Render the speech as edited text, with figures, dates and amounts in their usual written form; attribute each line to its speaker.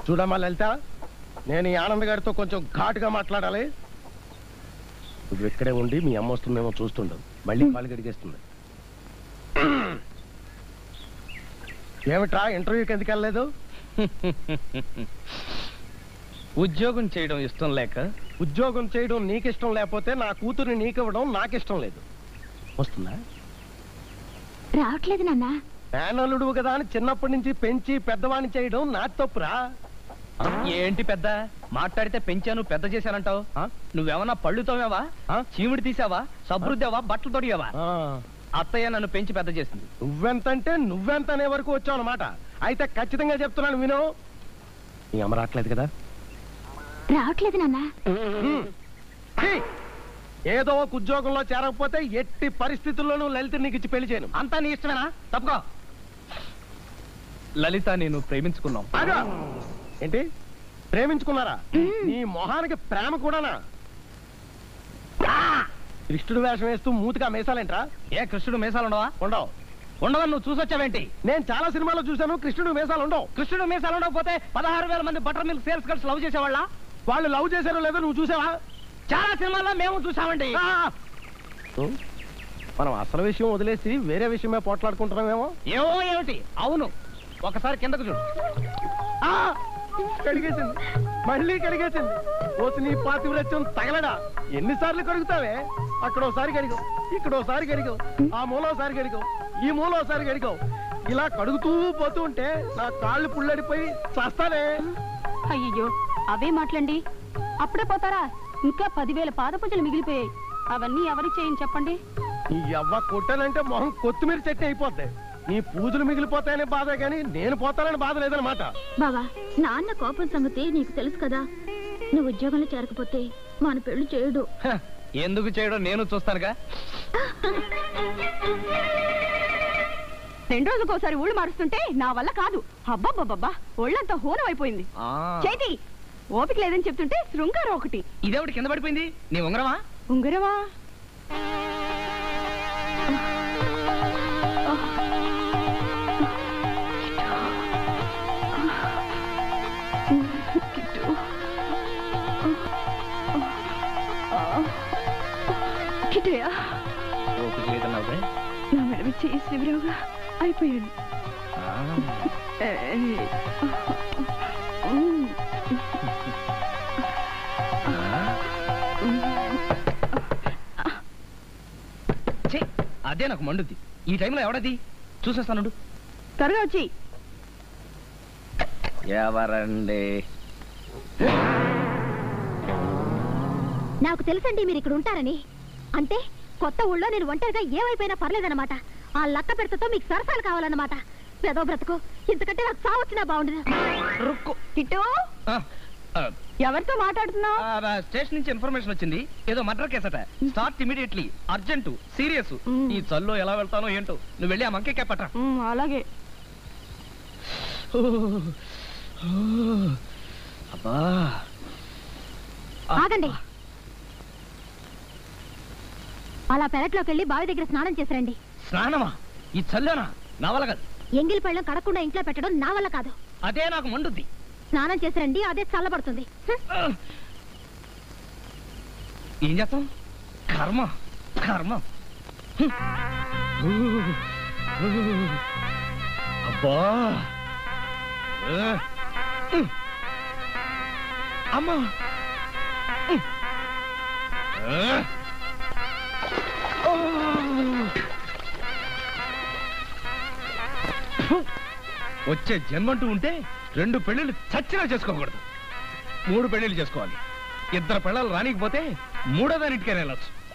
Speaker 1: చూడమ్మా లలిత, నేను ఈ ఆనంద్ గారితో కొంచెం ఘాటుగా మాట్లాడాలి. నువ్వు ఇక్కడే ఉండి మీ అమ్మ వస్తుందేమో చూస్తుండవు, మళ్ళీ కాలు గడిగేస్తుంది. ఏమిట్రా ఇంటర్వ్యూకి ఎందుకు వెళ్ళలేదు?
Speaker 2: ఉద్యోగం చేయడం ఇష్టం లేక.
Speaker 1: ఉద్యోగం చేయడం నీకు ఇష్టం లేకపోతే నా కూతుర్ని నీకు ఇవ్వడం నాకు ఇష్టం లేదు. వస్తుందా?
Speaker 3: రావట్లేదు నాన్న.
Speaker 1: మేనల్లుడు కదా అని చిన్నప్పటి నుంచి పెంచి పెద్దవాణ్ణి చేయడం నా తప్పురా.
Speaker 2: ఏంటి పెద్ద మాట్లాడితే పెంచాను పెద్ద చేశానంటావు? నువ్వేమన్నా పళ్ళు తోమేవా, చీమిడి తీసావా, సబ్రుద్దావా, బట్టలు తొడిగావా? అత్తయ్య నన్ను పెంచి పెద్ద చేసింది.
Speaker 1: నువ్వెంతంటే నువ్వెంత అనే వరకు వచ్చావు అన్నమాట. అయితే ఖచ్చితంగా చెప్తున్నాను విను. నీ అమ్మ రావట్లేదు కదా?
Speaker 3: రావట్లేదు నాన్న.
Speaker 1: ఏదో ఒక ఉద్యోగంలో చేరకపోతే ఎట్టి పరిస్థితుల్లోనూ లలిత నీకు ఇచ్చి పెళ్లి చేయను.
Speaker 2: అంతా నీ ఇష్టమేనా? తప్పుకో. లలిత నేను ప్రేమించుకున్నాం.
Speaker 1: ఏంటి ప్రేమించుకున్నారా? నీ మొహానికి ప్రేమ కూడానా? కృష్ణుడు వేషం వేస్తూ మూతిగా మేసాలేంట్రా?
Speaker 2: ఏ కృష్ణుడు మేసాలు ఉండవా?
Speaker 1: ఉండవు.
Speaker 2: ఉండవని నువ్వు చూసొచ్చావేంటి?
Speaker 1: నేను చాలా సినిమాలో చూశాను, కృష్ణుడు మేసాలు ఉండవు.
Speaker 2: కృష్ణుడు మేసాలు ఉండకపోతే 16,000 మంది butter milk sales girls love చేసేవాళ్ళ?
Speaker 1: వాళ్ళు లవ్ చేశారో లేదో నువ్వు చూసావా?
Speaker 2: చాలా సినిమాల్లో మేము చూసామండి.
Speaker 1: మనం అసలు విషయం వదిలేసి వేరే విషయమే పోట్లాడుకుంటున్నామేమో.
Speaker 2: ఏమో ఏమిటి? అవును, ఒకసారి కిందకు చూడు.
Speaker 1: కడిగేసింది, మళ్ళీ కడిగేసింది. పోసి నీ పాతివ్రత్యం తగలడా? ఎన్నిసార్లు కడుగుతావే? అక్కడోసారి కడిగావు, ఇక్కడోసారి కడిగావు, ఆ మూలోసారి కడిగావు, ఈ మూలోసారి కడిగావు. ఇలా కడుగుతూ పోతూ ఉంటే నా కాళ్ళు పుల్లడిపోయి చస్తానే.
Speaker 3: అయ్యో అవే మాట్లాడండి. అప్పుడే పోతారా? ఇంకా 10,000 పాదపూజలు మిగిలిపోయాయి. అవన్నీ ఎవరికి చేయని చెప్పండి.
Speaker 1: నీ అవ్వ కొట్టానంటే మొహం కొత్తిమీర చెట్టు అయిపోద్ది. నీ పూజలు మిగిలిపోతాయనే బాధ కానీ నేను పోతానని బాధ లేదనమాట.
Speaker 3: బావా, నాన్న కోపం సంగతి నీకు తెలుసు కదా. నువ్వు ఉద్యోగంలో చేరకపోతే మన పెళ్లి చేయడు.
Speaker 2: ఎందుకు చేయడం నేను చూస్తానుగా.
Speaker 3: 2 రోజులకోసారి ఊళ్ళు మారుస్తుంటే నా వల్ల కాదు. అబ్బాబ్బాబ్బా, ఒళ్ళంతా హోనం అయిపోయింది. చేతి ఓపిక లేదని చెప్తుంటే శృంగారం ఒకటి.
Speaker 2: ఇదేవిడి కింద పడిపోయింది? నీ ఉంగరమా?
Speaker 3: ఉంగరమా? నా మెడవి చేయి శివరావుగా అయిపోయాడు.
Speaker 2: అదే నాకు మండుద్ది. ఈ టైంలో ఎవడది? చూసేస్తాను.
Speaker 3: త్వరగా వచ్చి.
Speaker 2: ఎవరండి?
Speaker 3: నాకు తెలుసండి మీరు ఇక్కడ ఉంటారని. అంటే కొత్త ఊళ్ళో నేను ఒంటరిగా ఏమైపోయినా పర్లేదన్నమాట. ఆ లక్క పెడతతో మీకు సరసాలు కావాలన్నమాట. పెదో బ్రతుకు, ఇంతకంటే నాకు సావచ్చినా బాగుండదు. కిట్టు, ఎవరితో మాట్లాడుతున్నావు?
Speaker 2: స్టేషన్ నుంచి ఇన్ఫర్మేషన్ వచ్చింది. ఏదో మర్డర్ కేసట. Start immediately, urgent, serious. ఈ చల్లో ఎలా వెళ్తానో ఏంటో. నువ్వు వెళ్ళి ఆ మంకే కేపట.
Speaker 3: అలాగే.
Speaker 2: అబ్బా,
Speaker 3: ఆగండి. అలా పెరట్లోకి వెళ్ళి బావి దగ్గర స్నానం చేసిరండి.
Speaker 2: స్నానమా? ఈ చల్లోనా? నా వల్ల కాదు.
Speaker 3: ఎంగిలి పళ్ళం కడకుండా ఇంట్లో పెట్టడం నా వల్ల కాదు.
Speaker 2: అదే నాకు మండుద్ది.
Speaker 3: స్నానం చేసిరండి, అదే చల్లబడుతుంది.
Speaker 2: ఏం చేస్తాం? కర్మ కర్మ. అబ్బా, అమ్మా, వచ్చే జన్మంటూ ఉంటే 2 పెళ్లిళ్ళు చచ్చినా చేసుకోకూడదు. 3 పెళ్లిళ్ళు చేసుకోవాలి. 2 పెళ్ళాలు రానికపోతే 3వ దానిటికైనా వెళ్ళొచ్చు.